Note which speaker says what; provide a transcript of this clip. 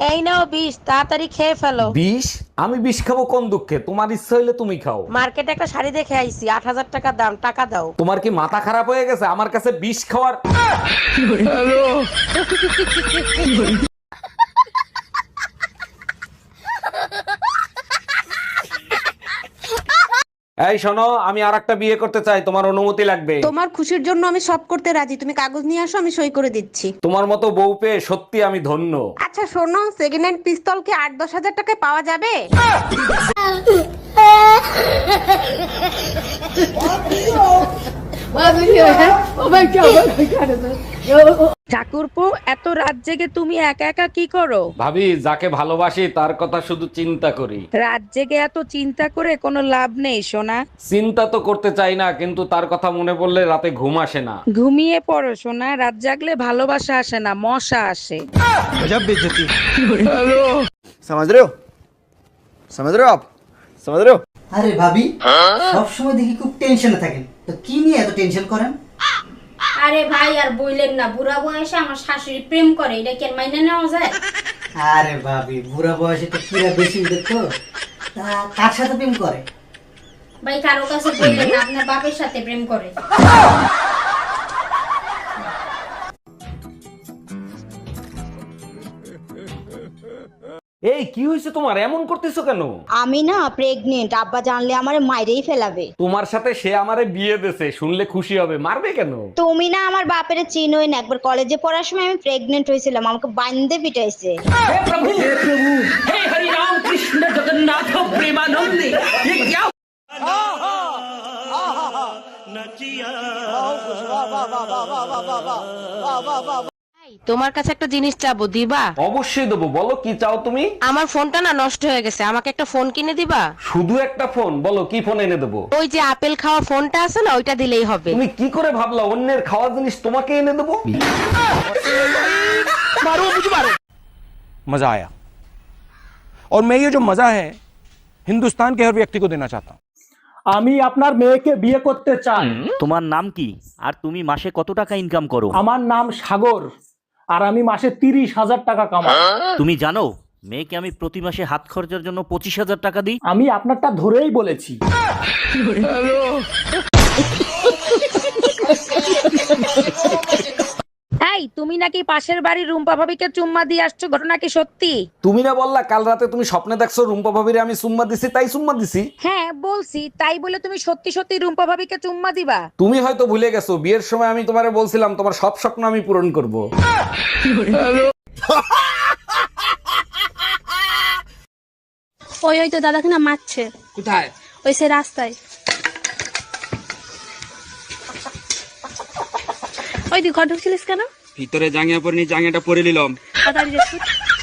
Speaker 1: এই নাও বিষ, তাড়াতাড়ি খেয়ে ফেলো।
Speaker 2: বিষ? আমি বিষ খাবো কোন দুঃখে? তোমার ইচ্ছা হইলে তুমি খাও।
Speaker 1: মার্কেটে একটা শাড়ি দেখে আইছি, 8,000 টাকা দাম, টাকা দাও।
Speaker 2: তোমার কি মাথা খারাপ হয়ে গেছে আমার কাছে বিষ খাওয়ার? এই শোনো, আমি আরেকটা বিয়ে করতে চাই, তোমার অনুমতি লাগবে।
Speaker 3: তোমার খুশির জন্য আমি সব করতে রাজি, তুমি কাগজ নিয়ে আসো, আমি সই করে দিচ্ছি।
Speaker 2: তোমার মতো বউ পেয়ে সত্যি আমি ধন্য।
Speaker 3: আচ্ছা শোনো, সেকেন্ড হ্যান্ড পিস্তল কি 8-10 হাজার টাকায় পাওয়া যাবে?
Speaker 1: ঠাকুরপো, এত রাত জেগে তুমি একা একা কি করো?
Speaker 2: ভাবি, যাকে ভালোবাসি তার কথা শুধু চিন্তা করি।
Speaker 1: রাত জেগে এত চিন্তা করে কোনো লাভ নেই সোনা।
Speaker 2: চিন্তা তো করতে চাই না, কিন্তু তার কথা মনে পড়লে রাতে ঘুম আসে না।
Speaker 1: ঘুমিয়ে পড়ো সোনা, রাত জাগলে ভালোবাসা আসে না, মশা আসে।
Speaker 4: समझ रहे हो समझ रहे हो आप समझ रहे हो।
Speaker 5: আরে ভাবি, সব সময় দেখি খুব টেনশনে থাকেন, তো কি নিয়ে এত টেনশন করেন?
Speaker 6: আরে ভাই আর বইলেন না, বুড়া বয়সে আমার শাশুড়ি প্রেম করে, এটা কি আর মাইনে নেওয়া যায়?
Speaker 5: আরে ভাবি, বুড়া বয়সে তো কিরা বেশি দেখতো, তা কার সাথে প্রেম করে?
Speaker 6: ভাই কারো কাছে বললেন না, আপনার বাপের সাথে প্রেম করে।
Speaker 2: এই কি হয়েছে তোমার, এমন করতেছো কেন?
Speaker 7: আমি না প্রেগনেন্ট, আব্বা জানলে আমারে মাইরেই ফেলাবে।
Speaker 2: তোমার সাথে সে আমারে বিয়ে দিয়েছে, শুনলে খুশি হবে, মারবে কেন?
Speaker 7: তুমি না আমার বাপের চিনোই না, একবার কলেজে পড়ার সময় আমি প্রেগনেন্ট হয়েছিলাম, আমাকে বান্ধে পিটাইছে।
Speaker 1: তোমার কাছে একটা জিনিস চাবো, দিবা?
Speaker 2: অবশ্যই দেবো, বলো কি চাও তুমি?
Speaker 1: আমার ফোনটা না নষ্ট হয়ে গেছে, আমাকে একটা ফোন কিনে দিবা?
Speaker 2: শুধু একটা ফোন? বলো কি ফোন এনে দেবো।
Speaker 1: ওই যে আপেল খাওয়া ফোনটা আছে না, ওইটা দিলেই হবে।
Speaker 2: তুমি কি করে ভাবলা অন্যের খাওয়া জিনিস তোমাকে এনে দেবো?
Speaker 8: मजा आया और मैं ये जो मजा है हिंदुस्तान के हर व्यक्ति को देना चाहता हूँ।
Speaker 9: আমি আপনার মেয়েকে বিয়ে করতে চাই।
Speaker 10: তোমার নাম কি আর তুমি মাসে কত টাকা ইনকাম করো?
Speaker 9: আমার নাম সাগর, আর আমি মাসে 30,000 টাকা কামাই।
Speaker 10: তুমি জানো মেয়েকে আমি প্রতি মাসে হাত খরচার জন্য 25,000 টাকা দিই।
Speaker 9: আমি আপনারটা ধরেই বলেছি।
Speaker 1: এই তুমি নাকি পাশের বাড়ির রুম্পা ভাবিকে চুম্মা দিয়ে আসছো, ঘটনা কি সত্যি?
Speaker 2: তুমি না বললা কাল রাতে তুমি স্বপ্নে দেখছো রুম্পা ভাবিরে আমি চুম্মা দিছি, তাই চুম্মা দিছি।
Speaker 1: হ্যাঁ বলছি, তাই বলে তুমি সত্যি সত্যি রুম্পা ভাবিকে চুম্মা দিবা?
Speaker 2: তুমি হয়তো ভুলে গেছো, বিয়ের সময় আমি তোমারে বলছিলাম তোমার সব স্বপ্ন আমি পূরণ করব।
Speaker 3: ওই তো দাদাকে না মারছে।
Speaker 8: কোথায়?
Speaker 3: ওই সে রাস্তায়। ওই তুই ঘর ঢুকছিলিস কেন?
Speaker 8: ভিতরে জাঙ্গিয়া পরে নি, জাঙ্গিয়াটা পরে নিলাম।
Speaker 3: তাড়াতাড়ি